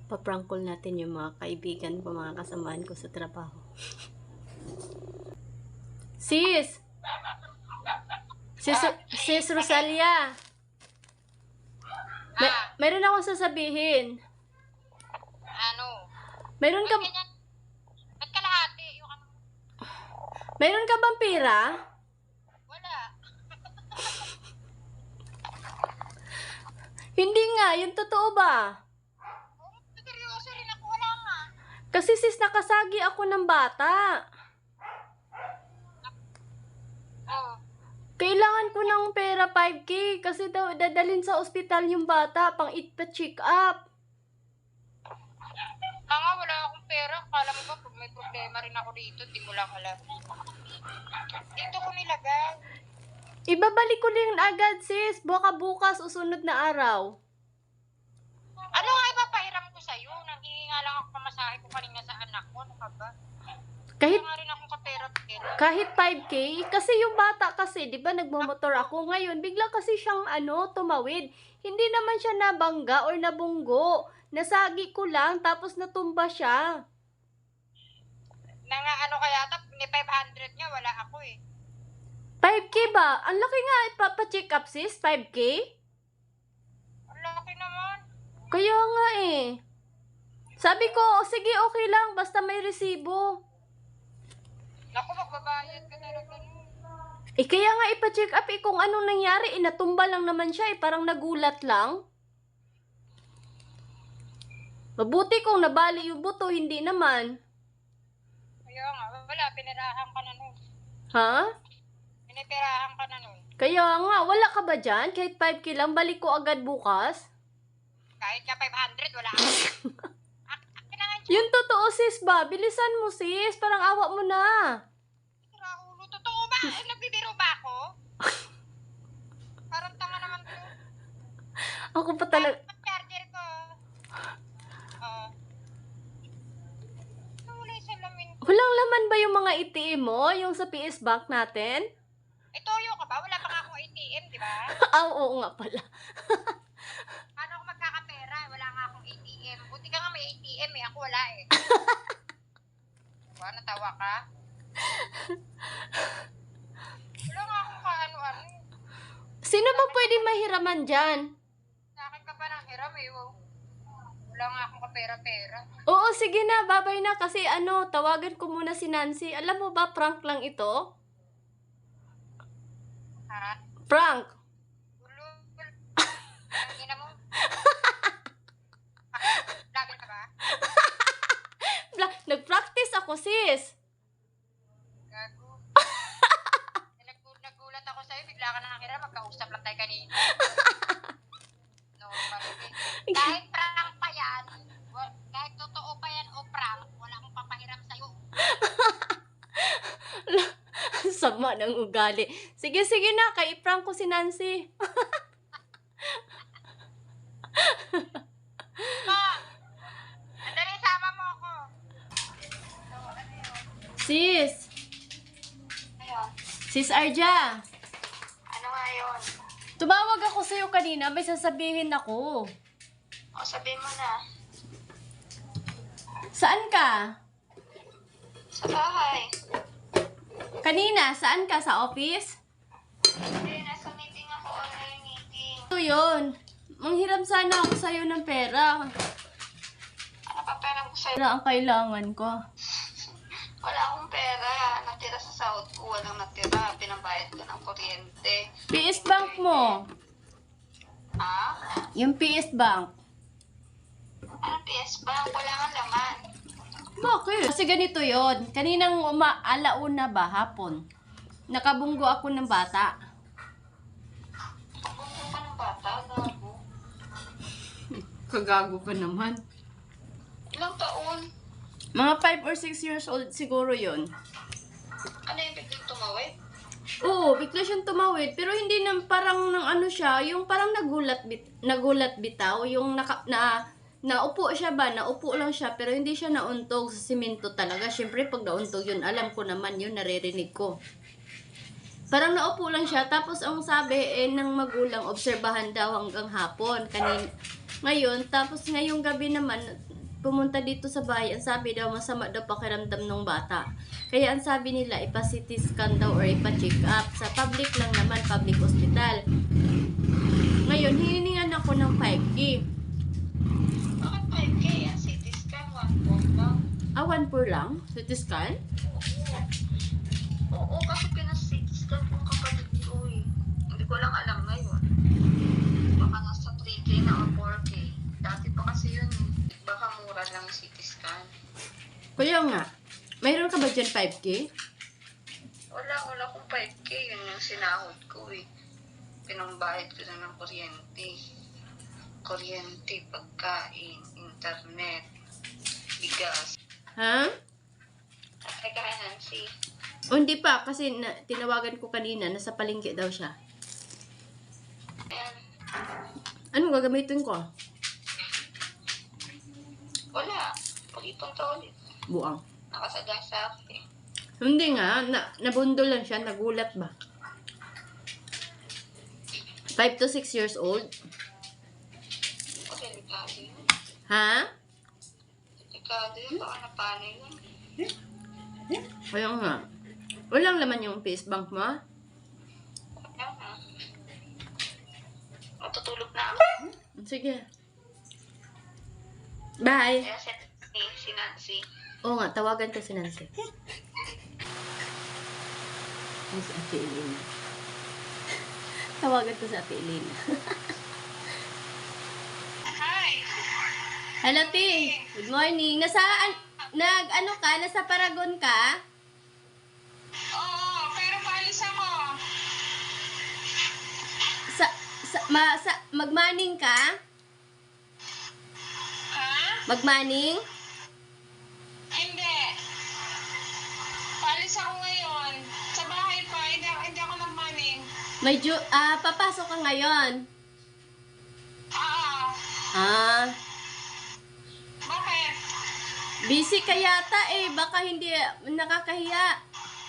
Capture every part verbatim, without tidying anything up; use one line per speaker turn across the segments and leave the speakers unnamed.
paprank call natin yung mga kaibigan ko, mga kasamahan ko sa trabaho. Sis! Sis, Sis Rosalia! May, mayroon akong sasabihin.
Ano?
Mayroon ka,
Ba't ganyan? Ba't kalahati? Yung ano?
mayroon ka bang pera?
Wala.
Hindi nga, yung totoo ba?
Oh, seryoso rin ako. Wala nga.
Kasi sis, nakasagi ako ng bata.
Oh.
Kailangan ko ng pera five K kasi daw dadalhin sa ospital yung bata pang ipa-check up.
Ah, nga, wala akong pera. Kala mo ba pag may problema rin ako dito, di mo lang alam. Dito ko nilagay.
Ibabalik ko din agad sis, baka bukas o sunod na araw.
Ano nga ipapahiram ko sa'yo? Nanghihingi nga lang ako pamasahe ko kanina sa anak ko. Ano ka ba?
Kahit
Kaya nga rin akong kapera-pera.
kahit five K, kasi yung bata kasi, di ba nagmamotor ako ngayon, bigla kasi siyang ano, tumawid. Hindi naman siya nabangga or nabunggo. Nasagi ko lang, tapos natumba siya.
Na nga ano kaya, tap, may five hundred nga, wala ako eh.
five K ba? Ang laki nga, ipapacheck up sis, five K?
Ang laki naman.
Kaya nga eh. Sabi ko, o sige, okay lang, basta may resibo.
Naku, magbabayad ka talaga nun.
Eh kaya nga ipa-check up eh kung anong nangyari, eh natumba lang naman siya eh, parang nagulat lang. Mabuti kung nabali yung buto, hindi naman.
Kaya nga, wala, pinirahan ka na nun.
Ha?
Pinipirahan ka na nun.
Kaya nga, wala ka ba dyan? Kahit five K lang, balik ko agad bukas.
Kahit ka five hundred, wala ako. Ak akin na nga yung
Yung totoo sis ba? Bilisan mo sis, parang awa mo na.
tsura ulo. Totoo ba? Eh, nagbibiro ba ako? Parang tanga naman to.
Ako pa talaga.
Ang charger ko. Oo. Wala yung salamin ko.
Walang laman ba yung mga A T M mo? Yung sa P S Bank natin?
Eh, toyo ka ba? Wala pa nga akong A T M, di ba?
Ah, oo nga pala.
Paano ako magkakapera? Wala nga akong A T M. Buti ka nga may A T M eh. Ako wala eh. Diba? Natawa ka? Wala nga akong kaano-ano.
Sino ba pwede mahiraman dyan?
Sa akin ka pa ng hiram eh. Wow. Wala nga akong kapera-pera.
Oo, sige na, babay na kasi ano, tawagan ko muna si Nancy. Alam mo ba, prank lang ito?
Ha?
Prank!
Ulul. Ang ina mo. Labi ka ba?
Bla- Nag-practice ako, sis.
Gago. Nag nagulat ako sa'yo. Bigla ka na nakira. Magkausap lang tayo kanina. No, palagi. Kahit prank pa yan. wa- Kahit totoo pa yan o prank, wala akong papahiram sa'yo.
Sama ng ugali. Sige, sige na, kay prank ko si Nancy.
Ma! Andali, sama mo ako.
Sis!
Ayun.
Sis Arja!
Ano nga yun?
Tumawag ako sa'yo kanina, may sasabihin ako.
O, sabihin mo na.
Saan ka?
Sa bahay.
Kanina, saan ka? Sa office?
Hindi, nasa meeting ako. Online meeting.
Ito yun. Manghiram sana ako sa'yo ng pera.
Ano pa pera ko sa'yo?
Pera ang kailangan ko.
Wala akong pera. Natira sa sahod ko. Walang natira. Pinabayad ko ng kuryente.
P S Bank mo.
Ha?
Yung P S Bank.
Anong P S Bank? Wala nga laman.
Bakit? Kasi ganito yon. Kaninang uma alauna ba hapon? Nakabunggo ako ng bata.
Bungko ka ng bata. Gago.
Kagago pa naman.
Ilang taon?
Mga five or six years old siguro yon.
Ano yung biglang tumawid?
Oo, bigla siyang tumawid. Pero hindi na parang ng ano siya, yung parang nagulat, bit, nagulat bitaw. Yung naka, na, naupo siya ba? Naupo lang siya, pero hindi siya nauntog sa simento talaga. Siyempre, pag nauntog yun, alam ko naman yun, naririnig ko. Parang naupo lang siya, tapos ang sabi eh, ng magulang, obserbahan daw hanggang hapon. Kanin, ngayon, tapos ngayong gabi naman, pumunta dito sa bahay, ang sabi daw, masama daw pakiramdam ng bata. Kaya ang sabi nila, ipa-C T scan daw or ipa-check up. Sa public lang naman, public hospital. Ngayon, hiningan ako ng five K.
Bakit five K yan? C T scan, one point lang.
Ah, one four lang? C T scan?
Oo, kasi pinas-C T scan yung kapatid ko eh. Hindi ko lang alam ngayon. Baka nasa three K na o four K. Dati pa kasi yun eh. Baka mura lang yung C T scan.
Kaya nga, mayroon ka ba dyan five K?
Wala, wala akong five K. Yun yung sinahod ko eh. Pinambayad ko na ng kuryente. Kuryente, pagkain, internet, bigas.
Ha?
Ay, kaya Nancy.
O hindi pa, kasi na, tinawagan ko kanina, nasa palengke daw siya.
Ayan.
Anong gagamitin ko?
Wala. Pag-ipon ka ulit.
Buang.
Nakasagasa ako eh.
Hindi nga, na, nabundol lang siya, nagulat ba? five to six years old.
O, delikado yun.
Ha?
Delikado yun. Baka napano yun.
Kaya nga. Walang laman yung face bank mo?
Kaya nga. Matutulog na ako.
Sige. Bye.
Kaya si, si, si Nancy.
Oo nga, tawagan ko si Nancy. Ay, si Ate Elena. Tawagan ko si Ate Elena.
Hi!
Hello, T. Good morning. Nasa, nag, ano ka? Nasa Paragon ka?
Oo, pero paalis ako.
Sa, sa, ma, sa, magmaning ka?
Ha?
Magmaning?
Hindi. Paalis ako ngayon. Sa bahay pa, hindi, hindi ako nagmaning.
May ju, ah, papasok ka ngayon.
Oo.
Ah,
Bakit?
busy ka yata eh. Baka hindi nakakahiya.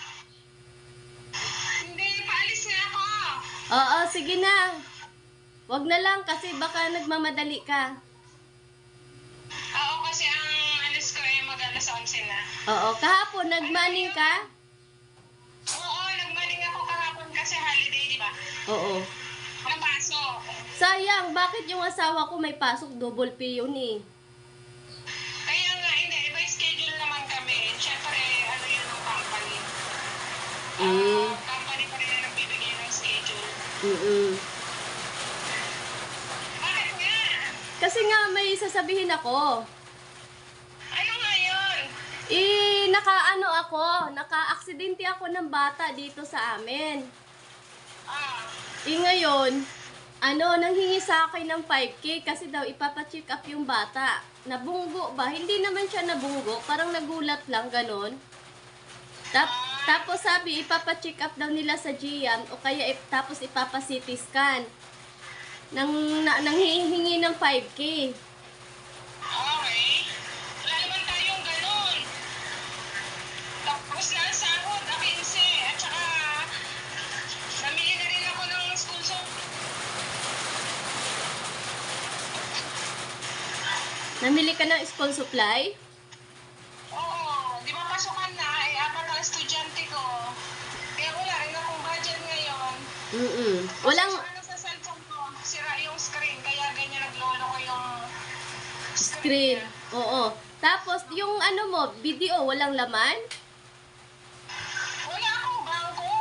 Hindi, paalis nga ako.
Oo, sige na. Wag na lang kasi baka nagmamadali ka.
Oo, kasi ang alis ko eh mag-alas onse na.
Oo, kahapon nagmaning ka?
Oo, nagmaning ako kahapon kasi holiday, di ba?
Oo.
Walang pasok.
Sayang, bakit yung asawa ko may pasok double pay yun eh?
Kaya nga, hindi. Iba yung schedule naman kami. Siyempre, ano yun ng company.
Eh.
Ah, company pa rin ang nagbibigay ng schedule.
Mm-mm.
Bakit nga?
Kasi nga may sasabihin ako.
Ano nga yun?
Eh, naka-ano ako, naka-aksidente ako ng bata dito sa amin.
Ah,
Eh ngayon, ano, nanghingi sa akin ng five K kasi daw ipapacheck up yung bata. Nabunggo ba? Hindi naman siya nabunggo, parang nagulat lang, ganon. Tap, tapos sabi, ipapacheck up daw nila sa G M o kaya ip, tapos ipapa-C T scan. Nang, na, nanghihingi ng five K.
okay. Wala naman tayong ganun. Tapos na ang sahod, akinse. At saka, namili na rin ako ng school so.
Namili ka ng school supply?
Oo, di ba pasukan na, eh, apat ang estudyante ko. Kaya wala rin akong budget ngayon.
Mm-mm. Walang
Kasi ano sa cellphone ko, sira yung screen, kaya ganyan naglolo ko yung
screen. Oo. Tapos, yung ano mo, video, walang laman?
Wala akong bangko.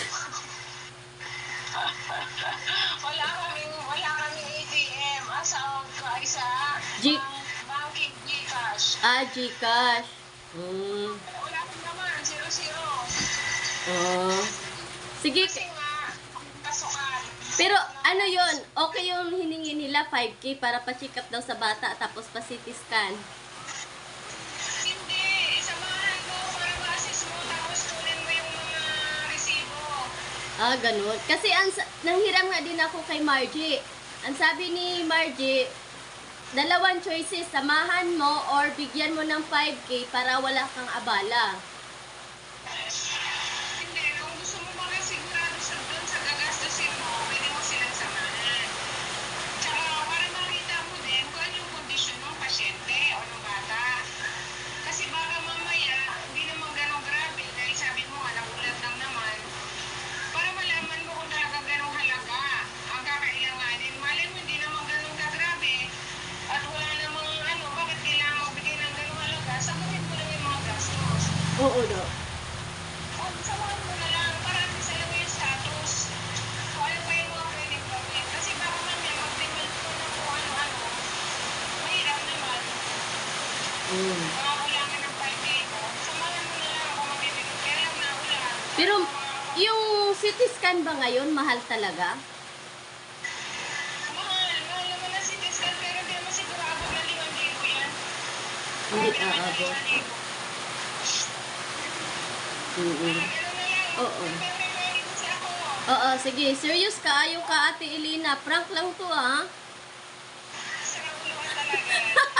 wala kaming, wala kaming A T M. Asawag ko ay sa
G-
bank, banking Gcash.
Ah, Gcash. Mm.
Wala akong naman, zero-zero.
Oh. Sige.
Kasi nga, pasukan.
Pero ano yon? Okay yung hiningi nila five K para pa-check up daw sa bata tapos pa-C T scan.
Hindi, samahan mo para ma-assist mo tapos kunin mo yung mga resibo.
Ah, ganun. Kasi ang, sa- nanghiram nga din ako kay Margie. Ang sabi ni Margie, dalawang choices, samahan mo or bigyan mo ng five K para wala kang abala.
Hindi, kung gusto mo mga sigurado sa doon sa gagastusin mo, pwede mo silang samahan. Tsaka para makita mo din kung ano yung kondisyon ng pasyente o ng bata.
Oo daw.
O, samahan mo na lang. Para at least alam mo yung status. Kung ano pa yung mga pwedeng gawin. Kasi baka mamaya mag-demand ko na kung ano-ano. Mahirap naman.
Mm.
Mga kulangan ng five K ko. Samahan mo na lang ako mabibigyan. Kaya lang naulan.
Pero
Mga-
yung C T scan ba ngayon mahal talaga?
Mahal. Mahal naman na si Tiscan. Pero di naman siguro abot na limang libo yan.
Hindi
Grabe naman yung
aabot.
limang libo.
Mm.
Ganun na lang.
Oo.
Nagpe-prepare kasi ako.
Oo, sige. Serious ka? Ayaw ka, Ate Elena. Prank lang to, ah.
Sa ulo ka talaga.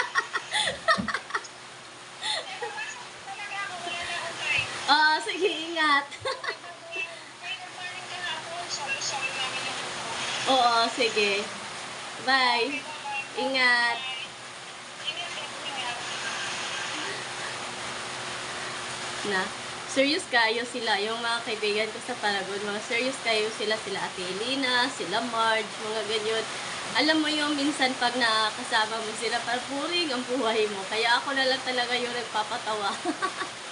Napapasok ko talaga ako. Wala na akong time.
Oo, sige. Ingat.
May nag-morning ka na ako. Solo-solo namin yung grupo.
Oo, sige. Bye.
Okay, bye-bye.
Ingat.
Bye. Ingat, ingat.
Na. Serious kayo sila. Yung mga kaibigan ko sa Paragon, mga serious kayo sila. Sila Ate Elena, sila Marge, mga ganyan. Alam mo yung minsan pag nakakasama mo sila, parang puring ang buhay mo. Kaya ako na lang talaga yung nagpapatawa.